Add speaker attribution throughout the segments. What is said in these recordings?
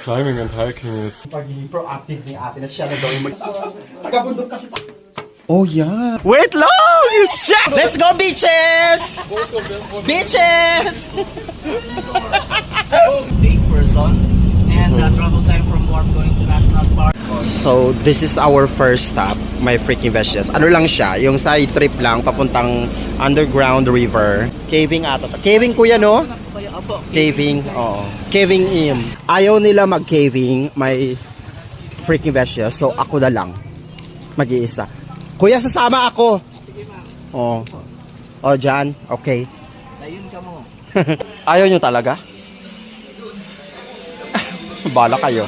Speaker 1: climbing and hiking is...
Speaker 2: Pagiging proactive ni ate na siya na gawin mo. Taga-bundok kasi.
Speaker 1: Oh yeah.
Speaker 2: Wait long! Shit! Let's go, bitches! Bitches!
Speaker 3: 8 person and travel time from Warm going to National Park.
Speaker 2: So, this is our first stop, my freaking veggies. Ano lang siya, yung side trip lang, papuntang underground river. Caving ata. Caving kuya, no? Caving, oo. Caving in. Ayaw nila mag-caving, may freaking veggies. So, ako na lang. Mag-iisa. Kuya, sasama ako. Oh. Oh, Jan. Okay.
Speaker 3: Ayun ka mo.
Speaker 2: Ayaw nyo talaga? Bala kayo.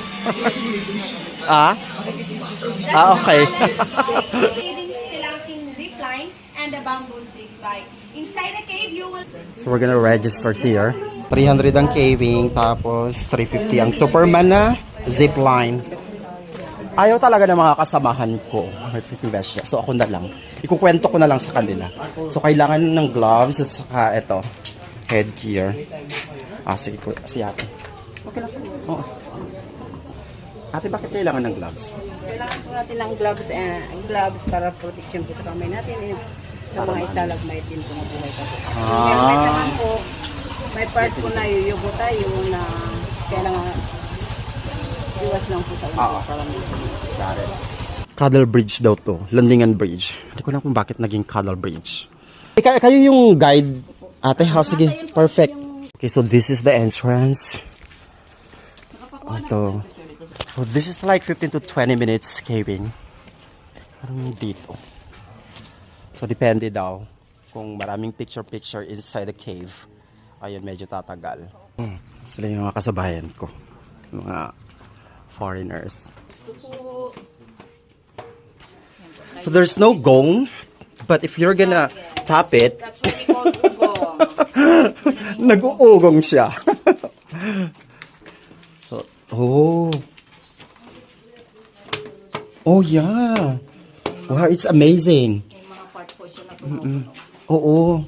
Speaker 2: Okay.
Speaker 4: Caving spelunking zip line and a bamboo zip bike. Inside the cave, you will...
Speaker 2: So we're gonna register here. 300 ang caving, tapos 350 ang Superman na zip line. Ayaw talaga ng mga kasamahan ko. May freaking vest siya. So ako na lang. Ikukwento ko na lang sa kanila. So kailangan ng gloves at saka ito, headgear. Sige, si ate. Okay lang. Oo. Ate, bakit kailangan ng gloves?
Speaker 5: Kailangan po natin ng gloves para protection po sa kamay natin. Sa mga stalagmite din po na buhay pa po. May naman po, may part po na yuyugo tayo na kailangan iwas lang po sa ulo.
Speaker 2: Got it. Cuddle Bridge daw to. Landingan Bridge. Hindi ko lang kung bakit naging Cuddle Bridge. Kayo yung guide, ate. Sige, perfect. Okay, so this is the entrance. Ito. So this is like 15 to 20 minutes caving. Parang dito. So depende daw kung maraming picture inside the cave. Ayun, medyo tatagal. Sila yung mga kasabayan ko. Mga foreigners. So there's no gong, but if you're gonna tap it,
Speaker 5: That's what we call ugong.
Speaker 2: nag-uugong siya. So, oh yeah. Wow, it's amazing.
Speaker 5: Yung mga part po siya na
Speaker 2: Oo.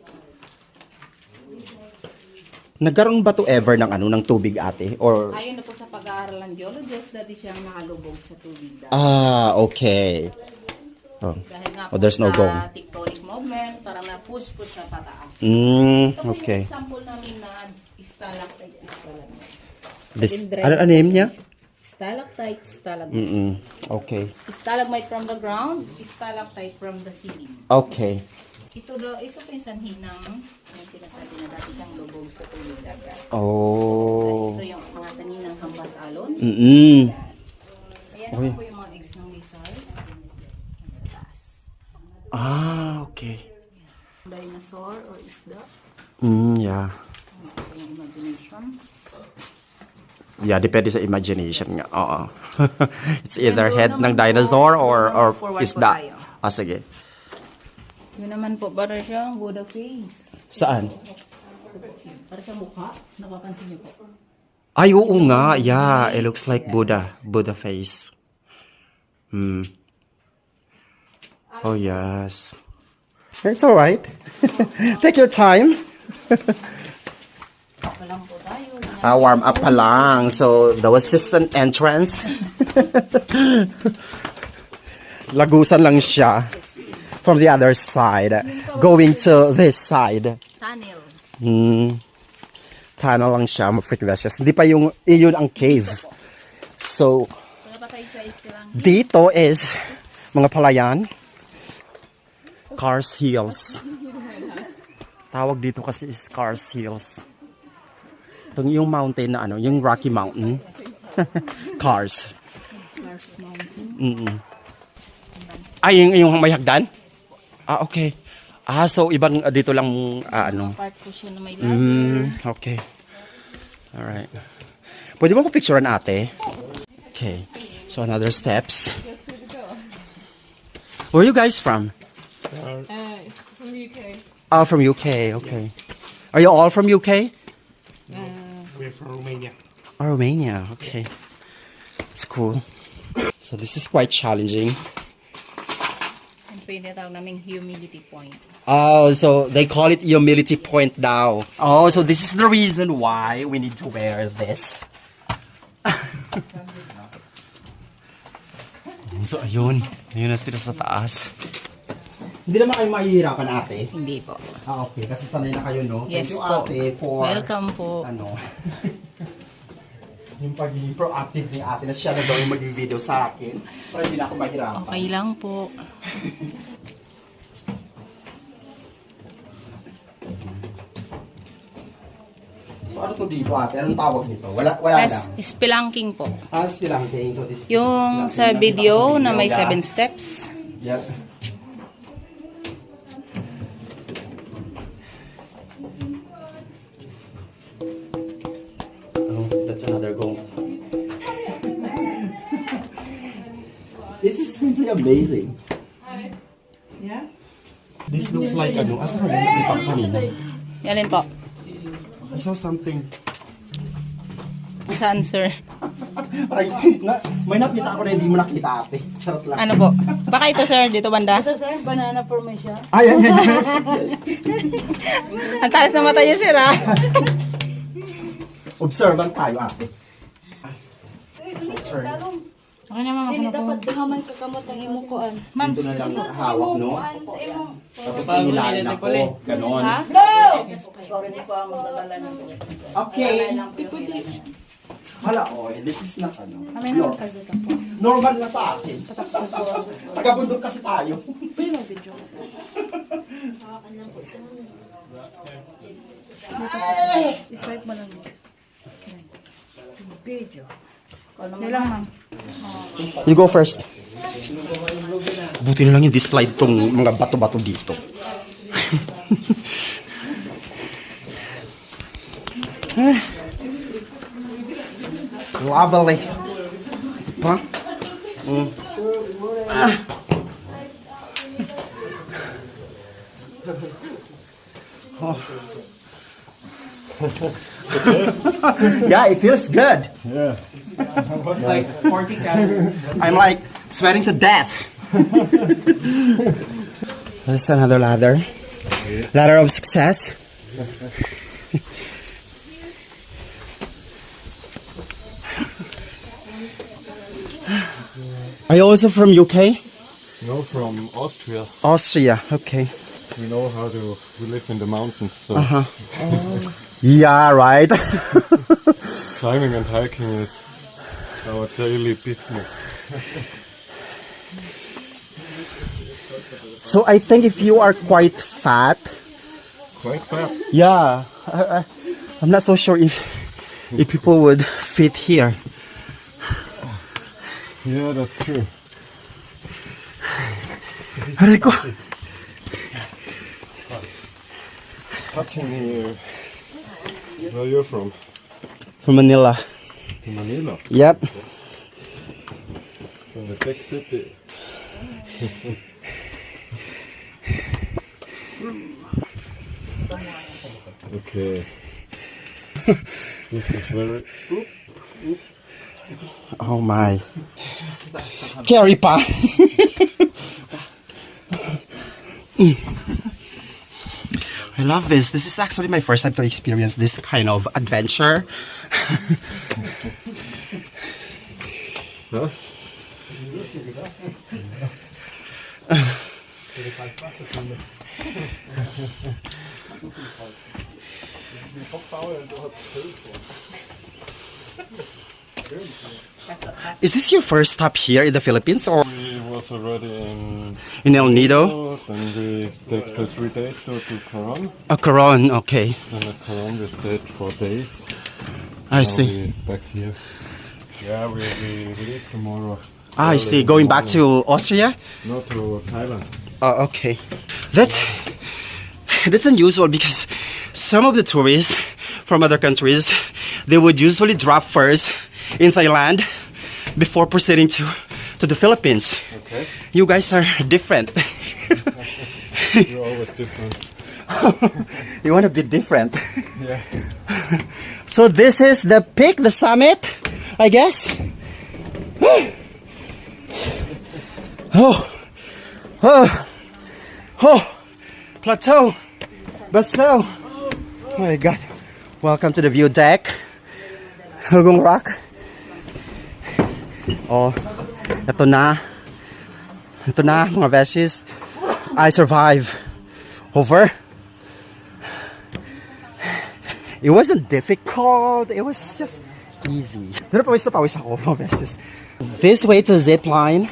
Speaker 2: Nagkaroon ba to ever ng tubig, ate? Or
Speaker 5: Ayon na po sa pag-aaral ng geologist, dati siyang nakalubog sa tubig dati.
Speaker 2: okay. Oh.
Speaker 5: Dahil nga
Speaker 2: Oh,
Speaker 5: po
Speaker 2: there's no
Speaker 5: sa
Speaker 2: gong.
Speaker 5: tectonic movement, parang na-push po siya pataas.
Speaker 2: Okay.
Speaker 5: Ito po yung example namin na stalactite, stalagmite.
Speaker 2: This, ano name niya?
Speaker 5: Stalactite, stalagmite.
Speaker 2: Okay.
Speaker 5: Stalagmite from the ground, stalactite from the ceiling.
Speaker 2: Okay.
Speaker 5: Ito po yung sanhi ng yung sinasabi na dati siyang lubog sa tubig dagat.
Speaker 2: Oh.
Speaker 5: Ito yung mga sanhi ng hambas alon. Ayan
Speaker 2: Uy.
Speaker 5: po yung mga eggs ng lizard. Yan sa taas.
Speaker 2: Okay.
Speaker 5: Dinosaur or isda.
Speaker 2: Yeah.
Speaker 5: Ano po sa iyong imagination.
Speaker 2: Yeah, depende sa imagination nga. Oo. It's either head ng dinosaur or
Speaker 5: Forward po
Speaker 2: isda.
Speaker 5: tayo.
Speaker 2: Sige.
Speaker 5: Yun naman po, para siyang Buddha face.
Speaker 2: Saan?
Speaker 5: Para siyang mukha. Napapansin niyo po.
Speaker 2: Ay, oo nga. Yeah, it looks like Buddha. Buddha face. Oh, yes. It's alright. Take your time.
Speaker 5: Walang po tayo.
Speaker 2: Warm up pa lang. So, the assistant entrance. Lagusan lang siya. From the other side. Going to this side.
Speaker 5: Tunnel.
Speaker 2: Tunnel lang siya. Freaking hindi pa iyon ang cave. So,
Speaker 5: Wala pa tayo sa istilang.
Speaker 2: dito is mga palayan. Cars Hills. Tawag dito kasi is Cars Hills. Itong yung mountain na yung Rocky Mountain. Cars.
Speaker 5: Mars Mountain.
Speaker 2: Ay, yung may hagdan? Okay. So ibang dito lang
Speaker 5: Part po siya na may ladder.
Speaker 2: Okay. Alright. Pwede mo ko picturean, ate? Okay. So another steps. Where are you guys from?
Speaker 6: From UK.
Speaker 2: From UK. Okay. Are you all from UK?
Speaker 6: We're from Romania.
Speaker 2: Romania. Okay. It's cool. So this is quite challenging.
Speaker 5: Ang pinatawag naming humidity point.
Speaker 2: Oh, so they call it humility point now. Oh, so this is the reason why we need to wear this. So, ayun. Ayun na sila sa taas. Hindi naman kayo mahihirapan, ate?
Speaker 5: Hindi po.
Speaker 2: Ah, okay. Kasi sanay na kayo, no?
Speaker 5: Yes
Speaker 2: Thank you,
Speaker 5: po.
Speaker 2: ate, for...
Speaker 5: Welcome po.
Speaker 2: Ano? Yung pagiging proactive ni ate na siya na daw yung mag-video sa akin para hindi na ako mahirapan.
Speaker 5: Okay lang po.
Speaker 2: So, ano to dito, ate? Anong tawag nito? Wala lang.
Speaker 5: Spelunking po.
Speaker 2: Still lang thing. So, this
Speaker 5: Yung
Speaker 2: this is
Speaker 5: sa
Speaker 2: nakita ko
Speaker 5: video na may
Speaker 2: ga.
Speaker 5: 7 steps.
Speaker 2: Yep. Oh, that's another goal. This is simply amazing.
Speaker 1: Yeah? This looks like ano, asa ka nakita ko kanina?
Speaker 5: Yalin po.
Speaker 2: I saw something.
Speaker 5: Saan, sir?
Speaker 2: Parang, may nakita ako na hindi mo nakita, ate. Charot lang.
Speaker 5: Ano po? Baka ito, sir. Dito banda.
Speaker 7: Sir, banana formation.
Speaker 2: Ay, ay, ay.
Speaker 5: Ang talas ng mata niyo, sir, ha?
Speaker 2: Observant tayo, ate. So, turn.
Speaker 7: Okay naman ako na dapat dahaman kakamot ng imong kuan. Ma'am,
Speaker 2: Dito na lang hawak, no?
Speaker 4: Sa imong
Speaker 2: Tapos sinilalim ako. Ganon. Okay. Hala, oh, this is not ano. Normal na sa akin. Tagabundok kasi tayo.
Speaker 7: I-swipe mo lang. Video. Hindi lang, ma'am.
Speaker 2: You go first. Buti na lang hindi slide tong mga bato-bato dito. Lovely. Pa? Yeah, it feels good.
Speaker 3: It's like 40 calories.
Speaker 2: I'm like sweating to death. This is another ladder. Ladder of success. Are you also from UK?
Speaker 1: No, from Austria.
Speaker 2: Austria, okay.
Speaker 1: We know how to live in the mountains, so
Speaker 2: Yeah, right.
Speaker 1: climbing and hiking is our daily business.
Speaker 2: So I think if you are quite fat,
Speaker 1: Quite fast.
Speaker 2: yeah, I'm not so sure if people would fit here.
Speaker 1: Yeah, that's true.
Speaker 2: Aray ko.
Speaker 1: Touching here. Where are you from?
Speaker 2: From Manila.
Speaker 1: Manila.
Speaker 2: Yep.
Speaker 1: From the tech city. Okay. This is very...
Speaker 2: Oh my. Carry pa. I love this. This is actually my first time to experience this kind of adventure.
Speaker 1: Huh?
Speaker 2: Is this your first stop here in the Philippines or
Speaker 1: We was already in
Speaker 2: in El Nido?
Speaker 1: Then we take the 3 days to Coron.
Speaker 2: Coron, okay.
Speaker 1: And at Coron we stayed 4 days.
Speaker 2: I
Speaker 1: Now
Speaker 2: see.
Speaker 1: we back here. Yeah, we leave tomorrow.
Speaker 2: I see. Going back to Austria?
Speaker 1: No, to Thailand.
Speaker 2: Oh, okay. That's unusual because some of the tourists from other countries, they would usually drop first in Thailand before proceeding to the Philippines.
Speaker 1: Okay.
Speaker 2: You guys are different.
Speaker 1: We're always different.
Speaker 2: You want to be different.
Speaker 1: Yeah.
Speaker 2: So this is the peak, the summit, I guess. Oh, plateau, baso. Oh my God. Welcome to the view deck. Hugong Rock. Oh, eto na. Ito na, mga besties. I survive. Over. It wasn't difficult. It was just easy. Pero pawis na pawis ako, mga besties. This way to zipline.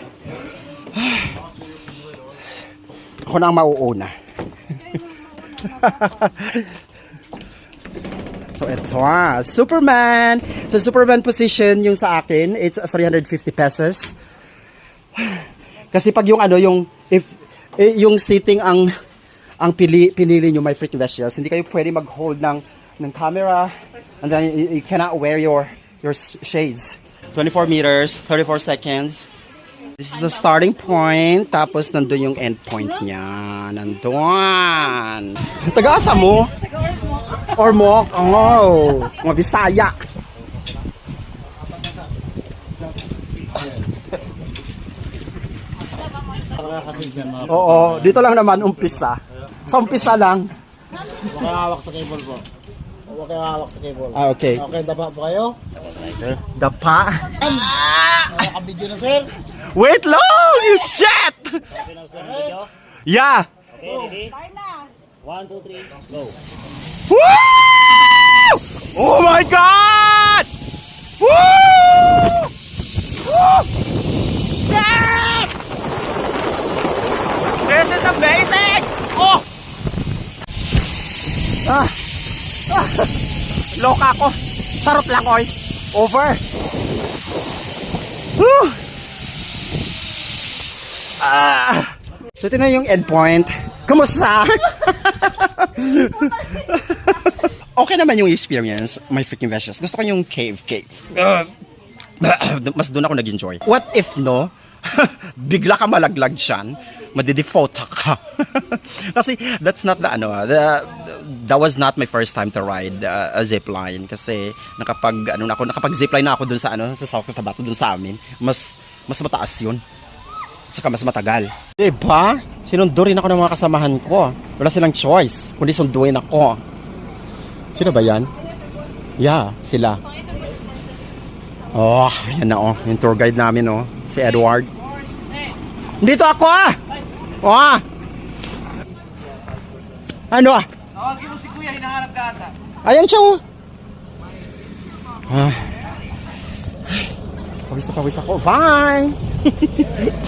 Speaker 2: Ako na ang mauuna. So ito Superman. So Superman position yung sa akin, it's 350 pesos. Kasi pag yung yung seating ang pinili nyo, my freaking vegetables, hindi kayo pwede mag-hold ng camera, and then you cannot wear your shades. 24 meters, 34 seconds. This is the starting point, tapos nandun yung end point niya. Nandun. Taga-asa mo? Or mo? Oh, mga Bisaya. Oo, dito lang naman umpisa. Sa umpisa lang.
Speaker 8: Huwag kayo hawak sa cable po. Huwag kayo hawak sa cable.
Speaker 2: Ah, okay.
Speaker 8: Okay, dapa po kayo?
Speaker 2: Dapa.
Speaker 8: Nakabidyo na, sir.
Speaker 2: Wait long! You shit! Yeah.
Speaker 3: Okay, ready? 1, 2, 3, go.
Speaker 2: Woo! Oh my God! Woo! Woo! Shit! This is amazing! Oh! Loka ako. Sarot lang, oy. Over. Woo! So ito na yung endpoint. Kumusta? Okay naman yung experience, my freaking vegetables. Gusto ko yung cave. Mas doon ako nag-enjoy. What if no? Bigla ka malaglag dyan, madidefault ka. Kasi that's not that was not my first time to ride a zipline. Kasi nakapag zipline na ako dun sa South Cotabato, dun sa amin. Mas mataas yun. Saka mas matagal. Diba? Sinundo rin ako ng mga kasamahan ko. Wala silang choice, kundi sunduin ako. Sino ba yan? Yeah, sila. Oh, yan na oh. Yung tour guide namin oh. Si Edward. Dito ako ah! Oh! Ano ah?
Speaker 3: Tawagin mo si Kuya, hinahanap ka ata.
Speaker 2: Ayan siya oh. Pawis na pawis ako. Bye!